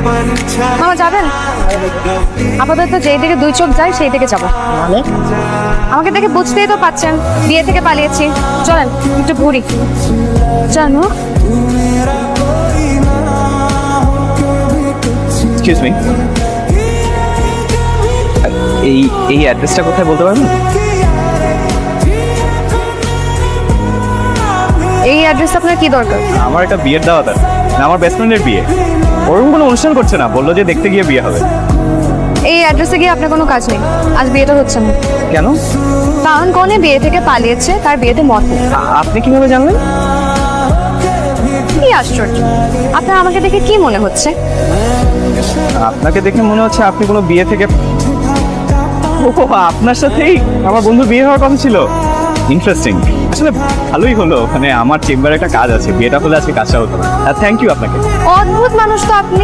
মামা যাবেন? আপাতত যেই দিকে দুই চোখ যায় সেই দিকে যাবো। আমাকে দেখে বুঝতেই তো পাচ্ছেন বিয়ে থেকে পালিয়েছি। চলেন একটু ঘুরি। জানো এক্সকিউজ মি, এই অ্যাড্রেসটা কোথায় বলতে পারবেন? এই অ্যাড্রেস আপনার কি দরকার? আমার একটা বিয়ের দাওয়াত আছে, আমার বেস্ট ফ্রেন্ডের বিয়ে। ওরকম কোনো অনুষ্ঠান করছে না, বললো যে দেখতে গিয়ে বিয়ে হবে। এই অ্যাড্রেসে গিয়ে আপনার কোনো কাজ নেই, আজ বিয়েটা হচ্ছে না। কেন? কারণ কনে বিয়ে থেকে পালিয়েছে, তার বিয়েতে মত নেই। আপনি কিভাবে জানলেন? কি আশ্চর্য, আপনার আমাকে দেখে কি মনে হচ্ছে? আপনাকে দেখে মনে হচ্ছে আপনি কোনো বিয়ে থেকে। ও, আপনার সাথেই আমার বন্ধুর বিয়ে হওয়ার কথা ছিল। ইন্টারেস্টিং, আসলে ভালোই হলো। ওখানে আমার চেম্বারে একটা কাজ আছে, বিয়েটা হলে আজকে কাজটা হতো না। থ্যাংক ইউ আপনাকে। অদ্ভুত মানুষ তো আপনি।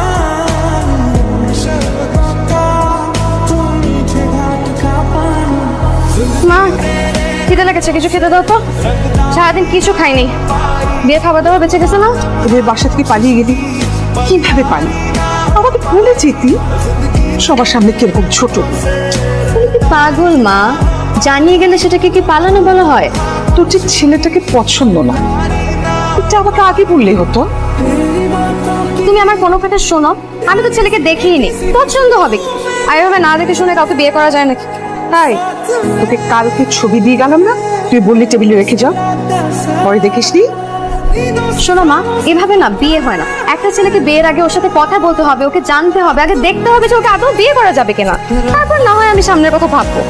মা, খিদে লেগেছে, কিছু খেতে দাও তো। সারাদিন কিছু খাইনি, বিয়ে খাবার দাবার বেঁচে গেছে না। তোদের বাসা থেকে পালিয়ে গেলি, কিভাবে পালি? আমাকে ভুলে যেতি। সবার সামনে কিরকম ছোট। তুমি কি পাগল মা? জানিয়ে গেলে সেটাকে কি পালানো বলা হয়? তোর যে ছেলেটাকে পছন্দ না, এটা আমাকে আগে বললেই হতো। তুমি আমার কোনো কথা শোনো, আমি তো ছেলেকে দেখিনি, পছন্দ হবে কি? আর এভাবে না দেখে শুনে কাউকে বিয়ে করা যায় নাকি? তাই তোকে কালকে ছবি দিয়ে গেলাম না, তুই বললি টেবিলে রেখে যাও, পরে দেখিসনি। শোনো মা, এভাবে না বিয়ে হয় না। একটা ছেলেকে বিয়ের আগে ওর সাথে কথা বলতে হবে, ওকে জানতে হবে, আগে দেখতে হবে যে ওকে আদৌ বিয়ে করা যাবে কিনা। তারপর না হয় আমি সামনের কথা ভাববো।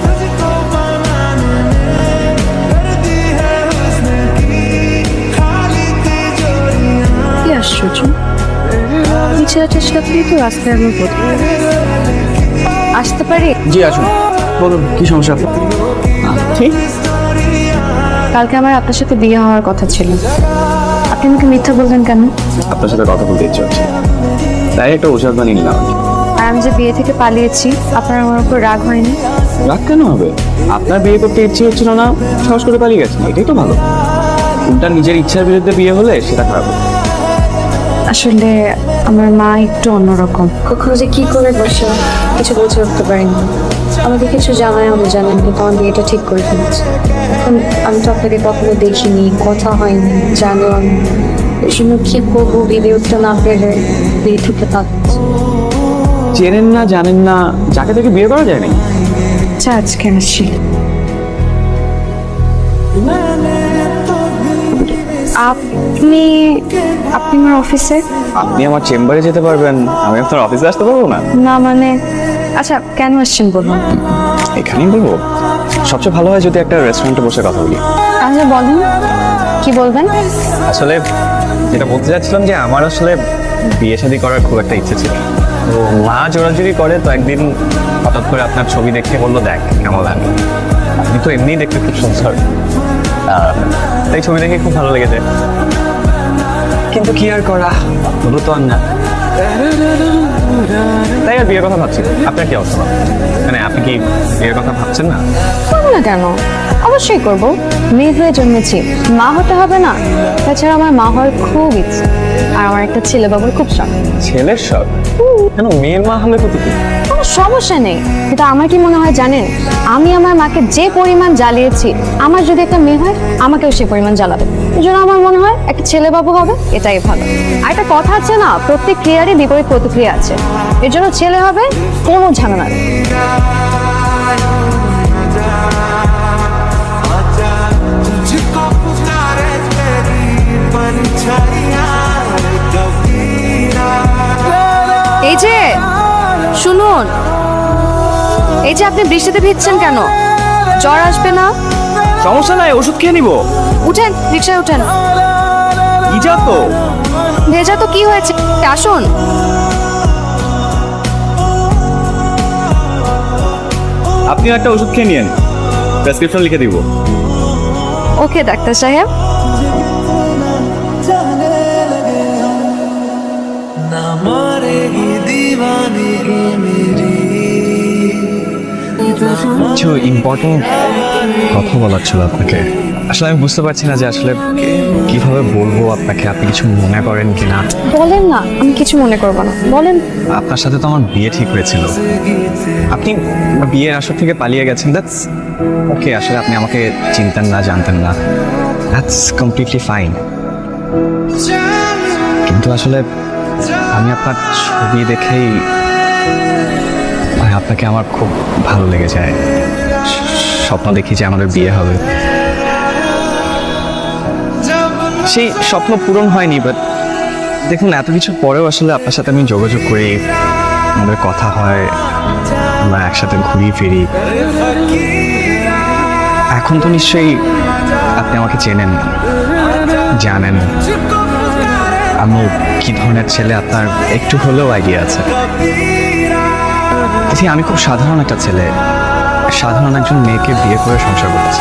কি আশ্চর্য, এই ছেলেটার সাথেই তো রাস্তায় আমি আসতে পারি। জি আসুন, বলুন কি সমস্যা আপনার? ঠিক, কালকে আমার আপনার সাথে বিয়ে হওয়ার কথা ছিল, আপনি আমাকে মিথ্যা বললেন কেন? আপনার সাথে কথা বলতে ইচ্ছে হচ্ছে, তাই একটা ওষুধ বানিয়ে নিলাম। আর আমি যে বিয়ে থেকে পালিয়েছি, আপনার আমার উপর রাগ হয়নি? রাগ কেন হবে? আপনার বিয়ে করতে ইচ্ছে হচ্ছিল না, সাহস করে পালিয়ে গেছেন, এটাই তো ভালো। উল্টা নিজের ইচ্ছার বিরুদ্ধে বিয়ে হলে সেটা খারাপ। আসলে আমার মা একটু অন্যরকম, কখনো যে কি করে বসে কিছু বুঝে উঠতে পারিনি। আমাকে কিছু জানায় আমি জানেন, কিন্তু আমার বিয়েটা ঠিক করে ফেলেছে। এখন আমি তো আপনাকে কখনো দেখিনি, কথা হয়নি, জানো আমি এই জন্য কি করবো বিয়ে উঠতে না পেরে বিয়ে থেকে তাকাচ্ছি। চেনেন না, জানেন না, যাকে তাকে বিয়ে করা যায় না। আচ্ছা, আজকে আসছি। আপনি আপনি আমার অফিসে? আপনি আমার চেম্বারে যেতে পারবেন, আমি আপনার অফিসে আসতে পারবো না? না মানে, আচ্ছা কেন আসছেন বলুন। এখানেই বলবো, সবচেয়ে ভালো হয় যদি একটা রেস্টুরেন্টে বসে কথা বলি। আচ্ছা বলুন, কি বলবেন? আসলে যেটা বলতে চাচ্ছিলাম যে আমার আসলে বিয়ে শাদী করার খুব একটা ইচ্ছে ছিল। তো মা জোরাজুরি করে, তো একদিন হঠাৎ করে আপনার ছবি দেখে বললো দেখ কেমন লাগে। আপনি তো এমনিই দেখতে খুব সুন্দর, তাই ছবি দেখে খুব ভালো লেগেছে। কিন্তু কি আর করা, হলো তো আর না, তাই আর বিয়ের কথা ভাবছি। আপনার কি অবস্থা? মানে আপনি কি বিয়ের কথা ভাবছেন না? করবো না কেন, অবশ্যই করব। মেয়ে হয়ে জন্মেছি, মা হতে হবে না? তাছাড়া আমার মা হওয়ার খুব ইচ্ছে, আর আমার একটা ছেলে বাবুর খুব শখ। ছেলের শখ? কেন, মেয়ের মা হলে তো কি? কোনো সমস্যা নেই, কিন্তু আমার কি মনে হয় জানেন, আমি আমার মাকে যে পরিমাণ জ্বালিয়েছি, আমার যদি একটা মেয়ে হয় আমাকেও সে পরিমাণ জ্বালাবে। এই জন্য আমার মনে হয় একটা ছেলে বাবু হবে, এটাই ভালো। আর একটা কথা আছে না, প্রত্যেক ক্রিয়ারই বিপরীত প্রতিক্রিয়া আছে। এর জন্য ছেলে হবে, কোনো ঝামেলা নেই। এই যে শুনুন, এই যে আপনি বৃষ্টিতে ভিজছেন কেন? জ্বর আসবে না? সমস্যা নাই, ওষুধ খেয়ে নিবো। উঠেন, রিক্সায় উঠেন। ভিজা তো। ভেজা তো কি হয়েছে, আসুন। আপনিও একটা ওষুধ খেয়ে নিয়েন, প্রেসক্রিপশন লিখে দিব। ওকে ডাক্তার সাহেব। কিছু ইম্পর্টেন্ট কথা বলার ছিল আপনাকে। আসলে আমি বুঝতে পারছি না যে আসলে কিভাবে বলবো আপনাকে, আপনি কিছু মনে করেন কিনা। বলেন না, আমি কিছু মনে করবো না, বলেন। আপনার সাথে তো আমার বিয়ে ঠিক হয়েছিল, আপনি বিয়ের আসর থেকে পালিয়ে গেছেন, দ্যাটস ওকে। আসলে আপনি আমাকে চিনতেন না, জানতেন না, দ্যাটস কমপ্লিটলি ফাইন। কিন্তু আসলে আমি আপনার ছবি দেখেই মানে আপনাকে আমার খুব ভালো লেগে যায়। স্বপ্ন দেখি যে আমাদের বিয়ে হবে। সেই স্বপ্ন পূরণ হয়নি, বাট দেখুন এত কিছু পরেও আসলে আপনার সাথে আমি যোগাযোগ করি, আমাদের কথা হয়, আমরা একসাথে ঘুরি ফিরি। এখন তো নিশ্চয়ই আপনি আমাকে চেনেন, জানেন আমি কি ধরনের ছেলে, আপনার একটু হলেও আইডিয়া আছে। দেখি আমি খুব সাধারণ একটা ছেলে, সাধারণ একজন মেয়েকে বিয়ে করে সংসার করেছি।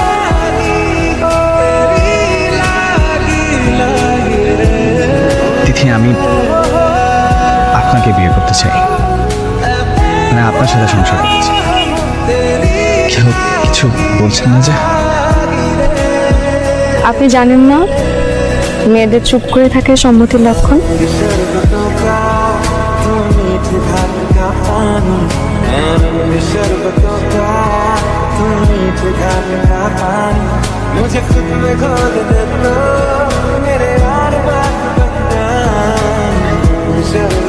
তিথি, আমি আপনাকে বিয়ে করতে চাই, মানে আপনার সাথে সংসার করতে চাই। কেউ কিছু বলছেন না যে? আপনি জানেন না মেয়েদের চুপ করে থাকে সম্মতির লক্ষণ? मुझे खुद में खोद दे तो मेरे यार बात बता